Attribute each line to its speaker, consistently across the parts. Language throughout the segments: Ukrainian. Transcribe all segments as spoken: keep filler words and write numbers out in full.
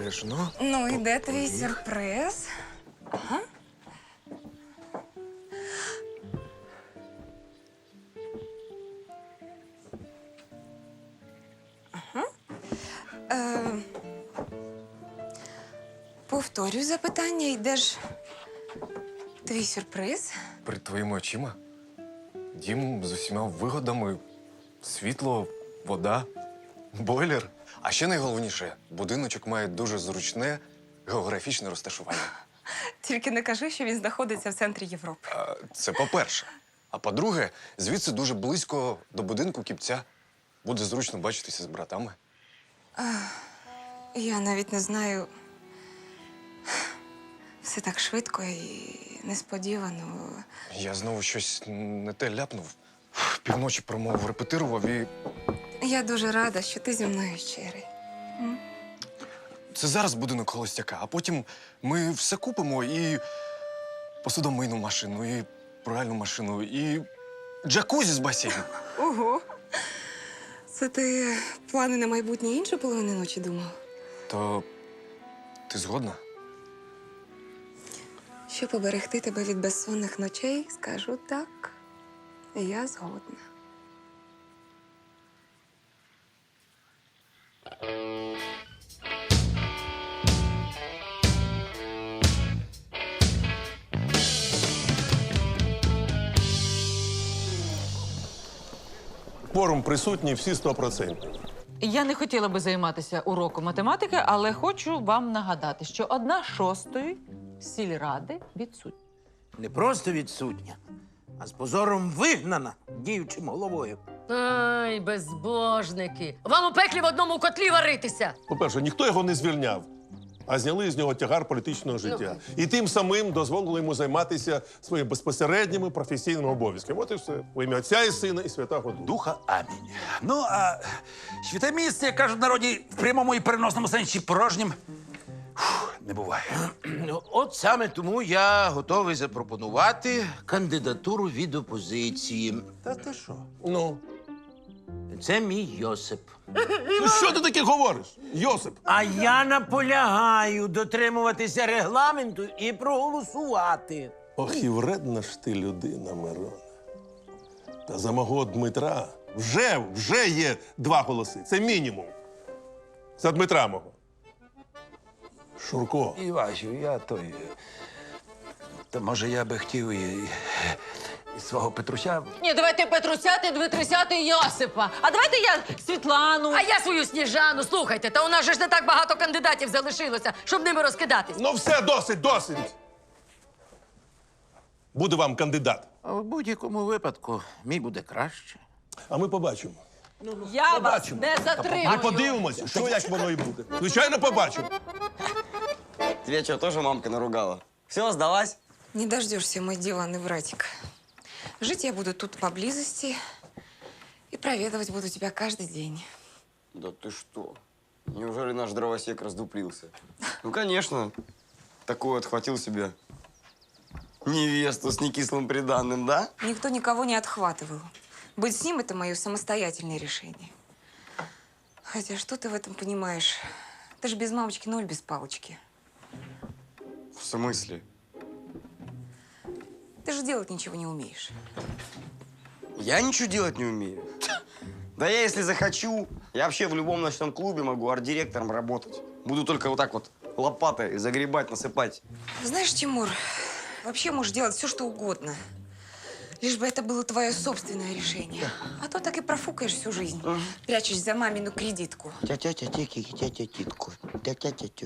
Speaker 1: Обережно.
Speaker 2: Ну і де твій сюрприз? Ага. Ага. Е, повторюю запитання, і де ж твій сюрприз?
Speaker 1: Перед твоїми очима. Дім з усіма вигодами. Світло, вода, бойлер. А ще найголовніше, будиночок має дуже зручне географічне розташування.
Speaker 2: Тільки не кажи, що він знаходиться в центрі Європи.
Speaker 1: А, це по-перше. А по-друге, звідси дуже близько до будинку Кіпця. Буде зручно бачитися з братами.
Speaker 2: Я навіть не знаю. Все так швидко і несподівано.
Speaker 1: Я знову щось не те ляпнув. Півночі промову репетирував і...
Speaker 2: Я дуже рада, що ти зі мною щирий.
Speaker 1: Це зараз будинок холостяка, а потім ми все купимо і посудомийну машину, і пральну машину, і джакузі з басейном.
Speaker 2: Ого. Це ти плани на майбутнє іншу половину ночі думав?
Speaker 1: То ти згодна?
Speaker 2: Щоб поберегти тебе від безсонних ночей, скажу так. Я згодна.
Speaker 3: Форум присутній всі сто процентів.
Speaker 4: Я не хотіла би займатися уроком математики, але хочу вам нагадати, що одна шостої сільради відсутня.
Speaker 5: Не просто відсутня, а з позором вигнана діючим головою.
Speaker 6: Ай, безбожники. Вам у пеклі в одному котлі варитися.
Speaker 3: По-перше, ніхто його не звільняв, а зняли з нього тягар політичного життя. І тим самим дозволили йому займатися своїми безпосередніми професійними обов'язками. От і все. У ім'я Отця і Сина і Святого Духа.
Speaker 5: Духа амінь. Ну, а святе місце, як кажуть в народі, в прямому і переносному сенсі порожнім фух, не буває. Ну, от саме тому я готовий запропонувати кандидатуру від опозиції. Та ти що?
Speaker 3: Ну,
Speaker 5: Це мій Йосип.
Speaker 3: ну що ти таке говориш, Йосип?
Speaker 5: А я наполягаю дотримуватися регламенту і проголосувати.
Speaker 3: Ох, і вредна ж ти людина, Мирона. Та за мого Дмитра вже, вже є два голоси. Це мінімум. За Дмитра мого. Шурко.
Speaker 5: Івасю, я той. Та може я би хотів і, і свого Петруся.
Speaker 4: Ні, давайте Петрусяти, Дмитрусяти і Йосипа. А давайте я Світлану.
Speaker 6: А я свою Сніжану, слухайте, та у нас же ж не так багато кандидатів залишилося, щоб ними розкидатись.
Speaker 3: Ну все, досить, досить. Буде вам кандидат.
Speaker 5: А в будь-якому випадку мій буде краще.
Speaker 3: А ми побачимо.
Speaker 4: Я
Speaker 3: побачимо.
Speaker 4: вас не затримую.
Speaker 3: Ми подивимося, що як воно і буде. Звичайно, побачимо.
Speaker 7: Тебя что, тоже мамка наругала? Все, сдалась?
Speaker 2: Не дождешься, мой диванный братик. Жить я буду тут поблизости и проведывать буду тебя каждый день.
Speaker 7: Да ты что? Неужели наш дровосек раздуплился? Ну, конечно. Такой отхватил себе невесту с некислым приданным, да?
Speaker 2: Никто никого не отхватывал. Быть с ним – это мое самостоятельное решение. Хотя что ты в этом понимаешь? Ты же без мамочки ноль без палочки.
Speaker 7: В смысле?
Speaker 2: Ты же делать ничего не умеешь.
Speaker 7: Я ничего делать не умею. Да я, если захочу, я вообще в любом ночном клубе могу арт-директором работать. Буду только вот так вот лопатой загребать, насыпать.
Speaker 2: Знаешь, Тимур, вообще можешь делать все, что угодно. Лишь бы это было твое собственное решение. А то так и профукаешь всю жизнь, прячась за мамину кредитку.
Speaker 7: Тя-тя-тя-тя-тя-тя-тя-титку. Тя-тя-тя-тя.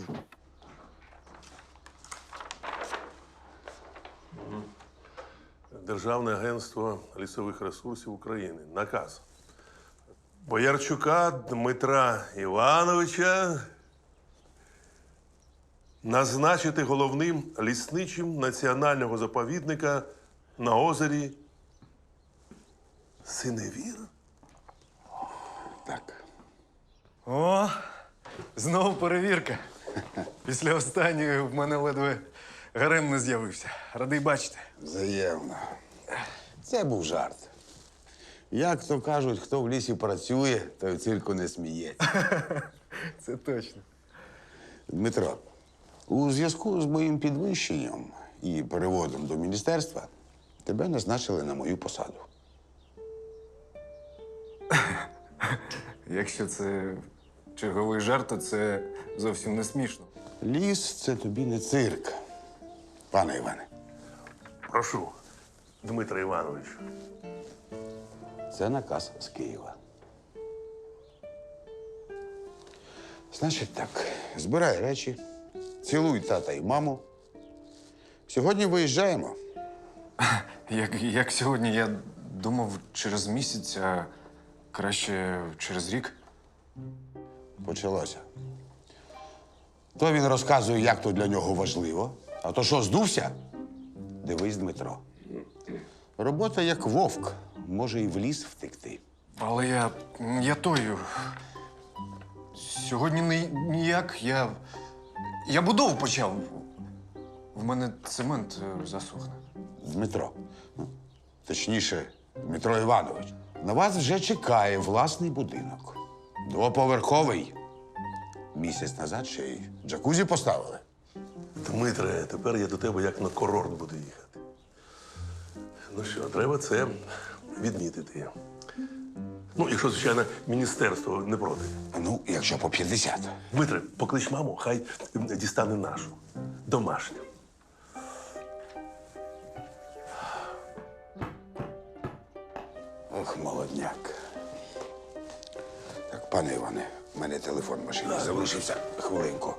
Speaker 3: Державне агентство лісових ресурсів України. Наказ. Боярчука Дмитра Івановича назначити головним лісничим національного заповідника на озері Синевір.
Speaker 1: Так. О, знову перевірка. Після останньої в мене ледве гарем не з'явився. Радий бачити.
Speaker 8: Взаємно. Це був жарт. Як то кажуть, хто в лісі працює, той в цирку не сміється.
Speaker 1: Це точно.
Speaker 8: Дмитро, у зв'язку з моїм підвищенням і переводом до міністерства тебе назначили на мою посаду.
Speaker 1: Якщо це черговий жарт, то це зовсім не смішно.
Speaker 8: Ліс це тобі не цирк, пане Іване.
Speaker 3: Прошу, Дмитро Іванович.
Speaker 8: Це наказ з Києва. Значить так, збирай речі, цілуй тата і маму. Сьогодні виїжджаємо.
Speaker 1: Як, як сьогодні, я думав через місяць, а краще через рік.
Speaker 8: Почалося. То він розказує, як то для нього важливо. А то що, здувся? Дивись, Дмитро. Робота як вовк, може і в ліс втекти.
Speaker 1: Але я. я тою. Сьогодні ні- ніяк. Я. Я будову почав. В мене цемент е, засохне.
Speaker 8: Дмитро. Ну, точніше, Дмитро Іванович. На вас вже чекає власний будинок. Двоповерховий. Місяць назад ще й джакузі поставили.
Speaker 3: Дмитре, тепер я до тебе як на курорт буду їхати. Ну що, треба це відмітити. Ну, якщо, звичайно, міністерство не проти.
Speaker 8: Ну, якщо по п'ятдесят.
Speaker 3: Дмитре, поклич маму, хай дістане нашу. Домашню.
Speaker 8: Ох, молодняк. Так, пане Іване, в мене телефон в машині залишився. Хвилинку.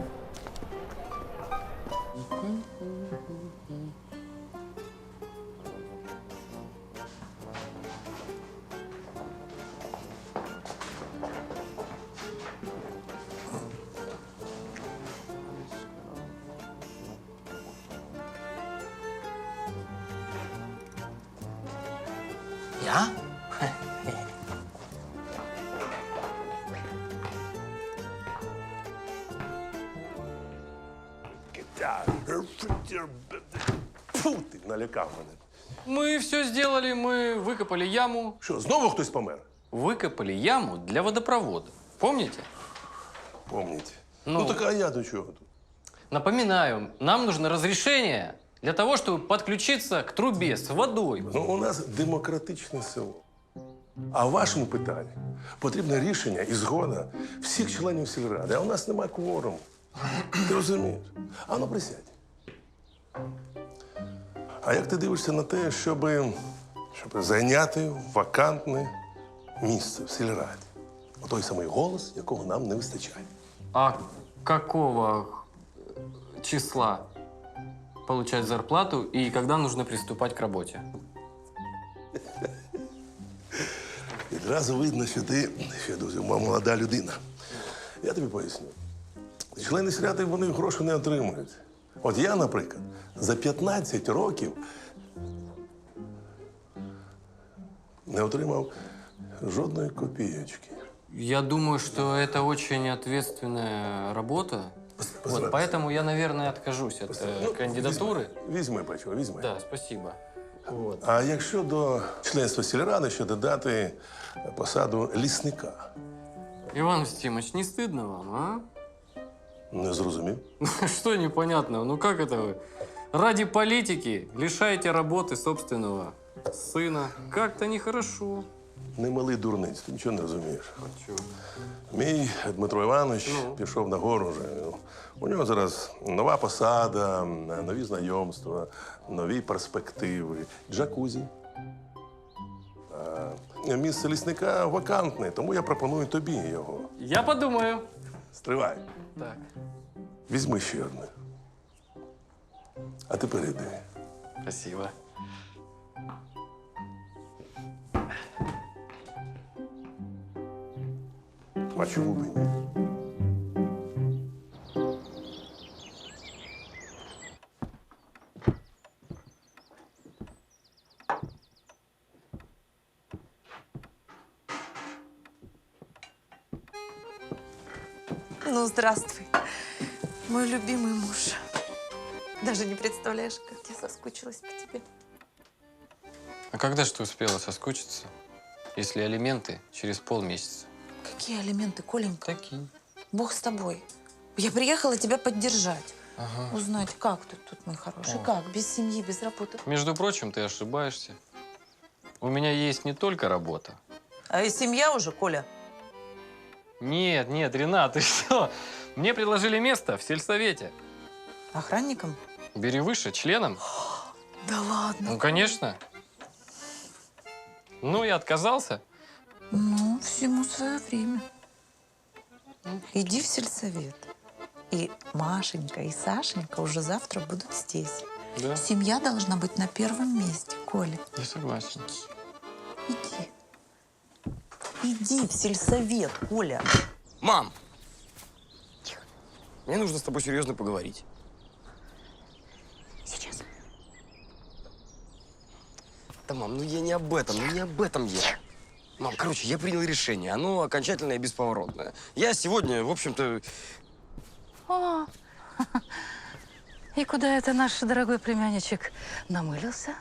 Speaker 5: Я?
Speaker 3: Фу, ти налякав мене.
Speaker 9: Мы все сделали, мы выкопали яму.
Speaker 3: Що, знову хтось помер?
Speaker 9: Выкопали яму для водопровода. Помните?
Speaker 3: Помніть.
Speaker 9: Ну.
Speaker 3: Ну, так а я до чого тут?
Speaker 9: Напоминаю, нам нужно разрешение для того, чтобы подключиться к трубе с водой.
Speaker 3: Ну, у нас демократичне село. А в вашому питанні потрібне рішення і згода всіх членів сільради. А у нас немає кворуму. Ти розумієш? А ну присядь. А як ти дивишся на те, щоб, щоб зайняти вакантне місце в сільраді? Отой самий голос, якого нам не вистачає.
Speaker 9: А какого числа получать зарплату и когда нужно приступать к работе?
Speaker 3: Відразу видно, що ти ще дуже молода людина. Я тобі поясню. Члени сільради, вони гроші не отримують. От я, наприклад, за п'ятнадцять років не отримав жодної копієчки.
Speaker 9: Я думаю, что это очень ответственная работа.
Speaker 3: Пос-
Speaker 9: Вот,
Speaker 3: пос-
Speaker 9: поэтому я, наверное, откажусь от э,
Speaker 3: Ну,
Speaker 9: кандидатуры.
Speaker 3: Візьми, візьми Петро, візьми.
Speaker 9: Да, спасибо. Вот.
Speaker 3: А якщо до членства сільради ще додати посаду лісника?
Speaker 9: Иван Устимович, не стыдно вам, а?
Speaker 3: Не зрозумів?
Speaker 9: Что непонятного? Ну как это вы? Ради политики лишаете работы собственного сына. Как-то нехорошо.
Speaker 3: Не малий дурниць, ти нічого не розумієш.
Speaker 9: А чё?
Speaker 3: Мій Дмитро Іванович
Speaker 9: Ну?
Speaker 3: пішов на гору вже. У нього зараз нова посада, нові знайомства, нові перспективи, джакузі. А місце лісника вакантне, тому я пропоную тобі його.
Speaker 9: Я подумаю.
Speaker 3: Стривай.
Speaker 9: Так.
Speaker 3: Візьми ще одне. А тепер іди.
Speaker 9: Спасибо.
Speaker 3: А чому б і ні?
Speaker 10: Ну, здравствуй, мой любимый муж. Даже не представляешь, как я соскучилась по тебе.
Speaker 9: А когда же ты успела соскучиться, если алименты через полмесяца?
Speaker 10: Какие алименты, Коленька?
Speaker 9: Такие.
Speaker 10: Бог с тобой. Я приехала тебя поддержать. Узнать, как ты тут, мой хороший,
Speaker 9: О.
Speaker 10: как, без семьи, без работы.
Speaker 9: Между прочим, ты ошибаешься. У меня есть не только работа.
Speaker 10: А и семья уже, Коля?
Speaker 9: Нет, нет, Ренат, ты что? Мне предложили место в сельсовете.
Speaker 10: Охранником?
Speaker 9: Бери выше, членом.
Speaker 10: Да ладно.
Speaker 9: Ну, конечно. Ну, я отказался.
Speaker 10: Ну, всему свое время. Иди в сельсовет. И Машенька, и Сашенька уже завтра будут здесь.
Speaker 9: Да,
Speaker 10: Семья должна быть на первом месте, Коля.
Speaker 9: я согласен.
Speaker 10: Иди. Иди в сельсовет, Коля.
Speaker 7: Мам! Тихо. Мне нужно с тобой серьезно поговорить.
Speaker 10: Сейчас.
Speaker 7: Да, мам, ну я не об этом, ну не об этом я. Мам, короче, я принял решение. Оно окончательное и бесповоротное. Я сегодня, в общем-то...
Speaker 6: О, и куда это наш дорогой племянничек намылился?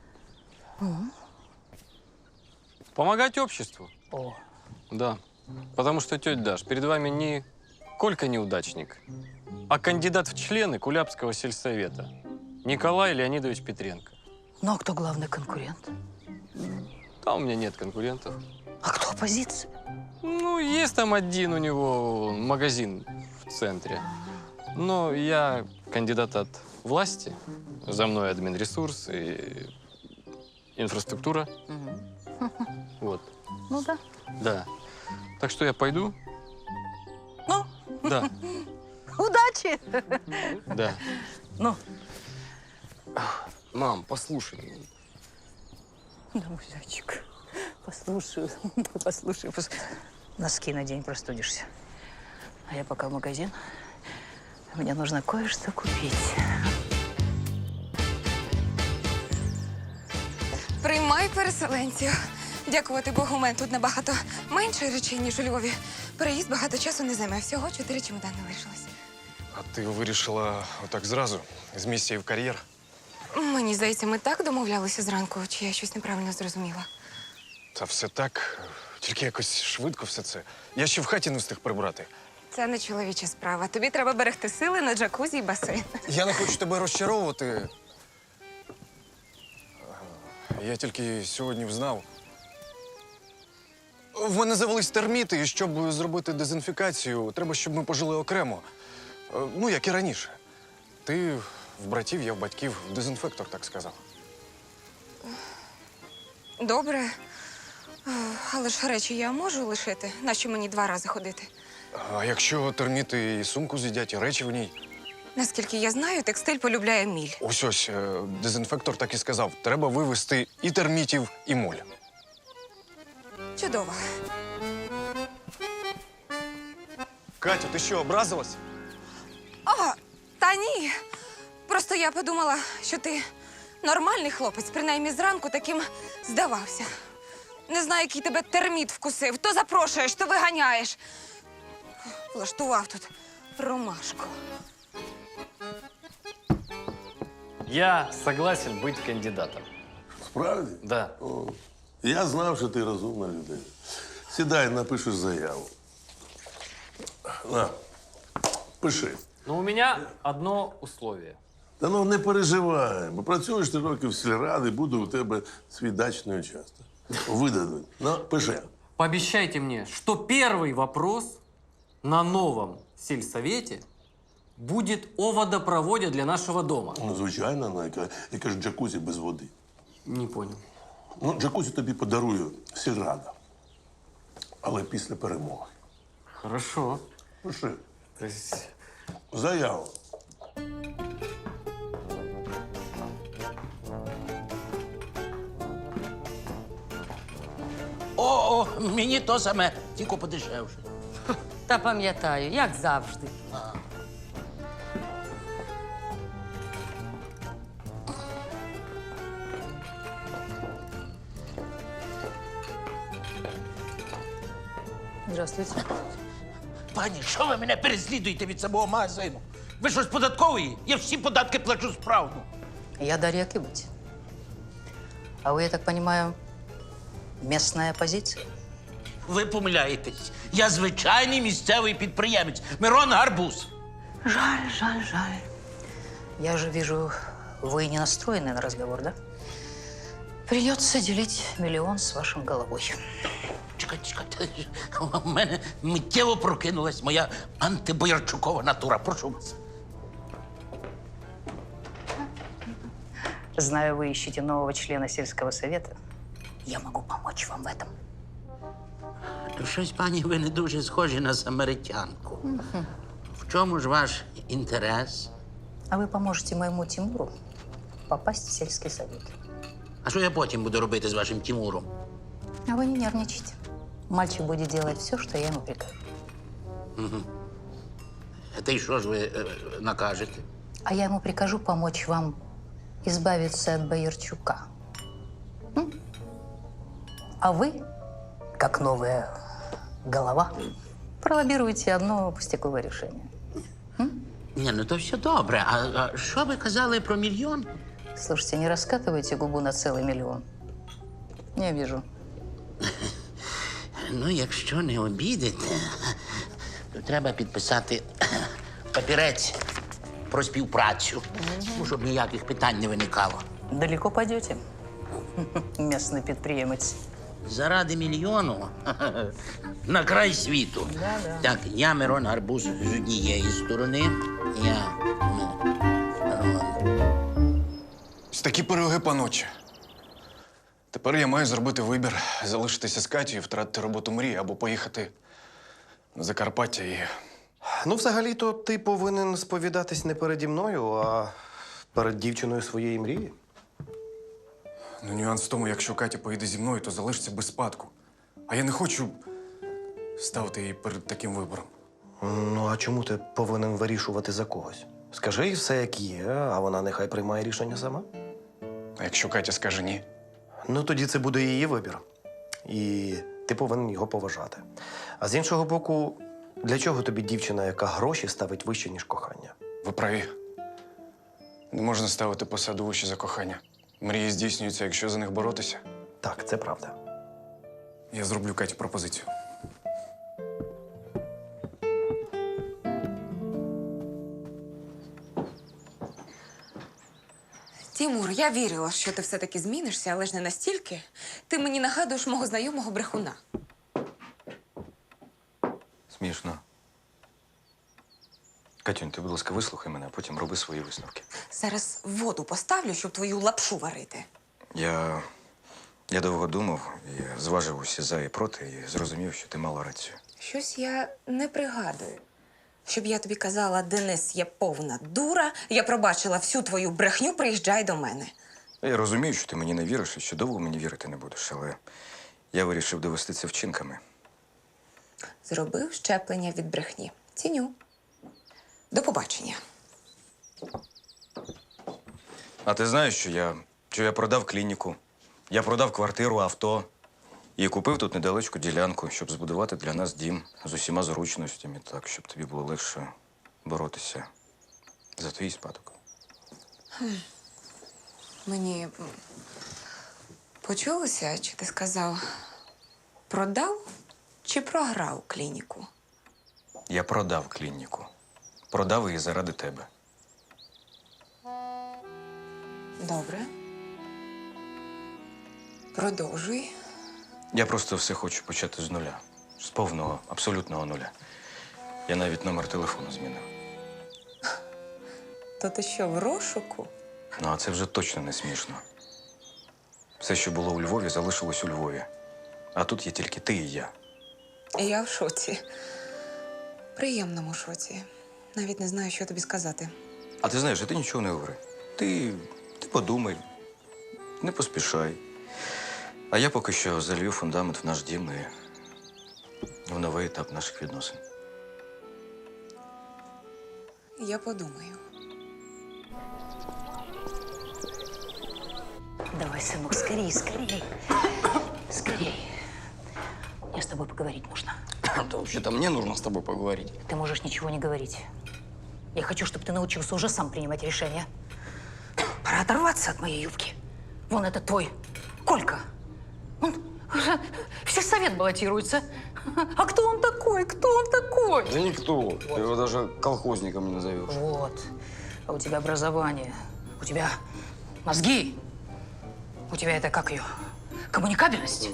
Speaker 9: Помогать обществу.
Speaker 6: О,
Speaker 9: Да. Потому что, тетя Даш, перед вами не Колька неудачник, а кандидат в члены Кулябского сельсовета Николай Леонидович Петренко.
Speaker 6: ну а кто главный конкурент?
Speaker 9: Там у меня нет конкурентов.
Speaker 6: А кто оппозиция?
Speaker 9: Ну, есть там один у него магазин в центре. Но я кандидат от власти. За мной админресурс и инфраструктура. Вот.
Speaker 6: Ну да.
Speaker 9: Да. Так что я пойду?
Speaker 6: Ну,
Speaker 9: Да.
Speaker 6: удачи!
Speaker 9: Да.
Speaker 6: Ну,
Speaker 7: Мам, послушай.
Speaker 6: да, мой зайчик, послушаю, послушаю, пос- носки надень, простудишься. А я пока в магазин. Мне нужно кое-что купить.
Speaker 2: Приймай переселенців. Дякувати Богу, у мене тут набагато менше речей, ніж у Львові. Переїзд багато часу не займе. Всього чотири чемодани лишилось.
Speaker 1: А ти вирішила отак зразу, з місії в кар'єр?
Speaker 2: Мені здається, ми так домовлялися зранку, чи я щось неправильно зрозуміла.
Speaker 1: Та все так, тільки якось швидко все це. Я ще в хаті не встиг прибрати.
Speaker 2: Це не чоловіча справа. Тобі треба берегти сили на джакузі і басейн.
Speaker 1: Я не хочу тебе розчаровувати. Я тільки сьогодні взнав. В мене завелись терміти, і щоб зробити дезінфікацію, треба, щоб ми пожили окремо. Е, Ну, як і раніше. Ти в братів, я в батьків. Дезінфектор так сказав.
Speaker 2: Добре. Е, Але ж речі я можу лишити? Нащо мені два рази ходити?
Speaker 1: А якщо терміти і сумку з'їдять, і речі в ній?
Speaker 2: Наскільки я знаю, текстиль полюбляє міль.
Speaker 1: Ось ось, е, дезінфектор так і сказав. Треба вивезти і термітів, і моль.
Speaker 2: Чудово.
Speaker 1: Катя, ти що, образилась?
Speaker 2: О, та ні. Просто я подумала, що ти нормальний хлопець, принаймні зранку таким здавався. Не знаю, який тебе терміт вкусив. То запрошуєш, то виганяєш. Влаштував тут ромашку.
Speaker 9: Я согласен быть кандидатом.
Speaker 3: Справді?
Speaker 9: Да.
Speaker 3: О, я знав, що ти розумна людина. Сідай, напишеш заяву. На, пиши.
Speaker 9: Но у меня одно условие.
Speaker 3: Та ну не переживай, бо працюєш ти років в сільраді, буде у тебе свій дачний участок. Видадуть. Ну, пиши.
Speaker 9: Пообещайте мне, что первый вопрос на новом сельсовете будет о водопроводе для нашего дома.
Speaker 3: Ну, звичайно, на яка, яка ж джакузі без води.
Speaker 9: Не понял.
Speaker 3: Ну, джакузі тобі подарує сільрада. Але після перемоги.
Speaker 9: Хорошо.
Speaker 3: Пиши.
Speaker 9: То есть
Speaker 3: Заяву.
Speaker 5: О, о, мені то саме, тільки подешевше.
Speaker 6: Та пам'ятаю, як завжди. Здравствуйте.
Speaker 5: Пані, що ви мене переслідуєте від самого магазину? Ви що, з податкової? Я всі податки плачу справно.
Speaker 6: Я Дарья Кибыть. А вы, я так понимаю, местная оппозиция?
Speaker 5: Ви помиляєтесь. Я звичайний місцевий підприємець. Мирон Гарбуз.
Speaker 6: Жаль, жаль, жаль. Я же вижу, вы не настроены на разговор, да? Придется делить миллион с вашим головой.
Speaker 5: Чекайте, чекайте. У мене миттєво прокинулась моя антибоярчукова натура. Прошу вас.
Speaker 6: Знаю, вы ищете нового члена сельского совета. Я могу помочь вам в этом.
Speaker 5: Щось, пані, ви не дуже схожі на самаритянку. В чому ж ваш інтерес?
Speaker 6: А вы поможете моему Тимуру попасть в сельский совет.
Speaker 5: А що я потім буду робити з вашим Тимуром?
Speaker 6: А вы не нервничайте. Мальчик будет делать все, что я ему прикажу.
Speaker 5: Та й що ж ви е, накажете?
Speaker 6: А я ему прикажу помочь вам избавиться от Боярчука. М? А вы, как новая голова, пролоббируете одно пустяковое решение.
Speaker 5: Ні, ну то все добре. А, а що ви казали про мільйон?
Speaker 6: Слушайте, не раскатывайте губу на целый миллион. Не вижу.
Speaker 5: Ну, якщо не обідете, то треба підписати папірець про співпрацю, ну, щоб ніяких питань не виникало.
Speaker 6: Далеко пойдете, местный предприиматель.
Speaker 5: Заради мільйону на край світу.
Speaker 6: Да-да.
Speaker 5: Так, я Мирон Гарбуз з однієї сторони, я Мирон.
Speaker 1: Ось такі пироги, паночі. Тепер я маю зробити вибір, залишитися з Катєю, втратити роботу мрії або поїхати на Закарпаття і.
Speaker 11: Ну, взагалі-то ти повинен сповідатись не переді мною, а перед дівчиною своєї мрії.
Speaker 1: Ну, нюанс в тому, якщо Катя поїде зі мною, то залишиться без спадку. А я не хочу ставити її перед таким вибором.
Speaker 11: Ну, а чому ти повинен вирішувати за когось? Скажи їй все, як є, а вона нехай приймає рішення сама.
Speaker 1: А якщо Катя скаже ні?
Speaker 11: Ну, тоді це буде її вибір. І ти повинен його поважати. А з іншого боку, для чого тобі дівчина, яка гроші ставить вище, ніж кохання?
Speaker 1: Ви праві. Не можна ставити посаду вище за кохання. Мрії здійснюються, якщо за них боротися.
Speaker 11: Так, це правда.
Speaker 1: Я зроблю Каті пропозицію.
Speaker 2: Тімур, я вірила, що ти все-таки змінишся, але ж не настільки. Ти мені нагадуєш мого знайомого брехуна.
Speaker 12: Смішно. Катюнь, ти, будь ласка, вислухай мене, а потім роби свої висновки.
Speaker 2: Зараз воду поставлю, щоб твою лапшу варити.
Speaker 12: Я. Я довго думав, і зважив усі за і проти, і зрозумів, що ти мала рацію.
Speaker 2: Щось я не пригадую. Щоб я тобі казала, Денис є повна дура, я пробачила всю твою брехню, приїжджай до мене.
Speaker 12: Я розумію, що ти мені не віриш і що довго мені вірити не будеш, але я вирішив довести це вчинками.
Speaker 2: Зробив щеплення від брехні. Ціню. До побачення.
Speaker 12: А ти знаєш, що я, що я продав клініку, я продав квартиру, авто і купив тут недалечку ділянку, щоб збудувати для нас дім з усіма зручностями, так, щоб тобі було легше боротися за твій спадок.
Speaker 2: Мені почулося, чи ти сказав, продав чи програв клініку?
Speaker 12: Я продав клініку. Продав її заради тебе.
Speaker 2: Добре. Продовжуй.
Speaker 12: Я просто все хочу почати з нуля. З повного, абсолютного нуля. Я навіть номер телефону змінив.
Speaker 2: То ти що, в розшуку?
Speaker 12: Ну, а це вже точно не смішно. Все, що було у Львові, залишилось у Львові. А тут є тільки ти і я.
Speaker 2: Я в шоці. Приємному шоці. Навіть не знаю, що тобі сказати.
Speaker 12: А ти знаєш, а ти нічого не говори. Ти, ти подумай, не поспішай. А я поки що залью фундамент в наш дім і в новий етап наших відносин.
Speaker 2: Я подумаю.
Speaker 6: Давай, сынок, скорей, скорей. Скорей. Мне с тобой поговорить нужно.
Speaker 7: Да вообще-то мне нужно с тобой поговорить.
Speaker 6: Ты можешь ничего не говорить. Я хочу, чтобы ты научился уже сам принимать решения. Пора оторваться от моей юбки. Вон это твой Колька. Он уже все совет баллотируется. А кто он такой? Кто он такой?
Speaker 7: Да никто. Ты его даже колхозником не назовешь.
Speaker 6: Вот. А у тебя образование. У тебя мозги. У тебя это как ее? Коммуникабельность.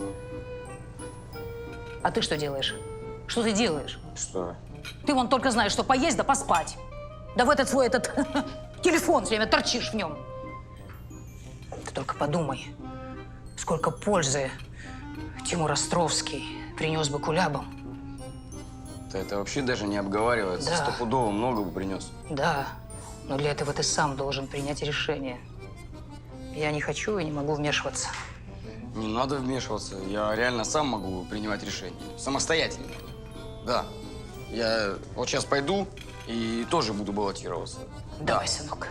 Speaker 6: А ты что делаешь? Что ты делаешь?
Speaker 7: Что?
Speaker 6: Ты вон только знаешь, что поесть да поспать. Да в этот свой этот телефон все время торчишь в нем. Ты только подумай, сколько пользы Тимур Островский принес бы кулябам.
Speaker 7: Да это вообще даже не обговаривается.
Speaker 6: Да.
Speaker 7: Стопудово много бы принес.
Speaker 6: Да, но для этого ты сам должен принять решение. Я не хочу и не могу вмешиваться.
Speaker 7: Не надо вмешиваться. Я реально сам могу принимать решения. Самостоятельно. Да. Я вот сейчас пойду и тоже буду баллотироваться.
Speaker 6: Давай, сынок.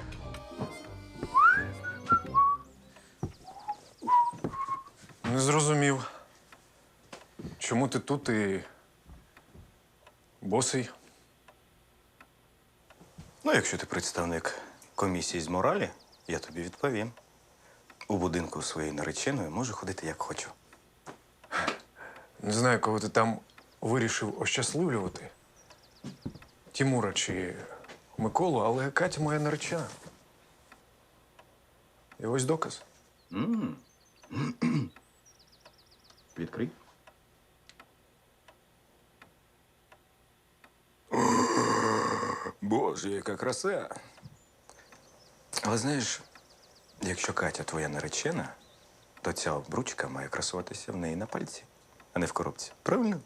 Speaker 1: Не зрозумів. Чому ти тут і босий?
Speaker 12: Ну, якщо ти представник комісії з моралі, я тобі відповім. У будинку своєї нареченої можу ходити як хочу.
Speaker 1: Не знаю, кого ти там вирішив ощасливлювати. Тімура чи Миколу, але Катя моя наречена. І ось доказ.
Speaker 12: М. Відкрий. Боже, яка краса. Але знаєш, якщо Катя твоя наречена, то ця обручка має красуватися в неї на пальці, а не в коробці. Правильно?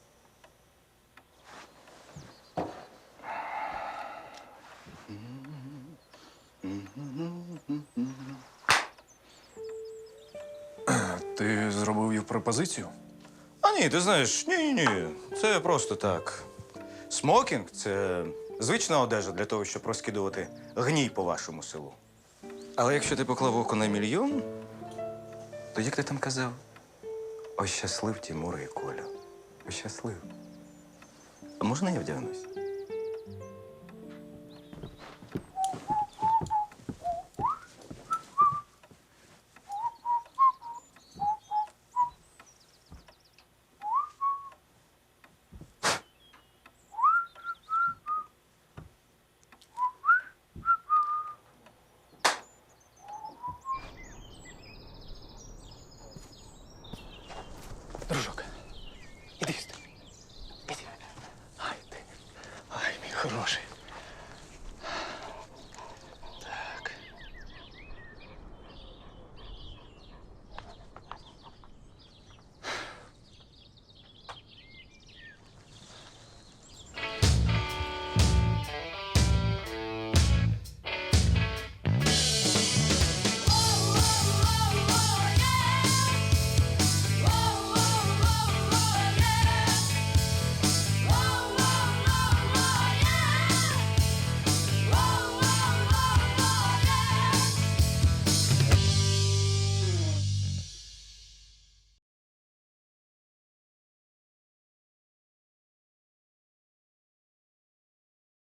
Speaker 1: Ти зробив їй пропозицію?
Speaker 12: А ні, ти знаєш, ні-ні-ні. Це просто так. Смокінг це звична одежа для того, щоб розкидувати гній по вашому селу. Але якщо ти поклав око на мільйон, то як ти там казав? Ощаслив Тімура і Колю. Ощаслив. А можна я вдягнусь?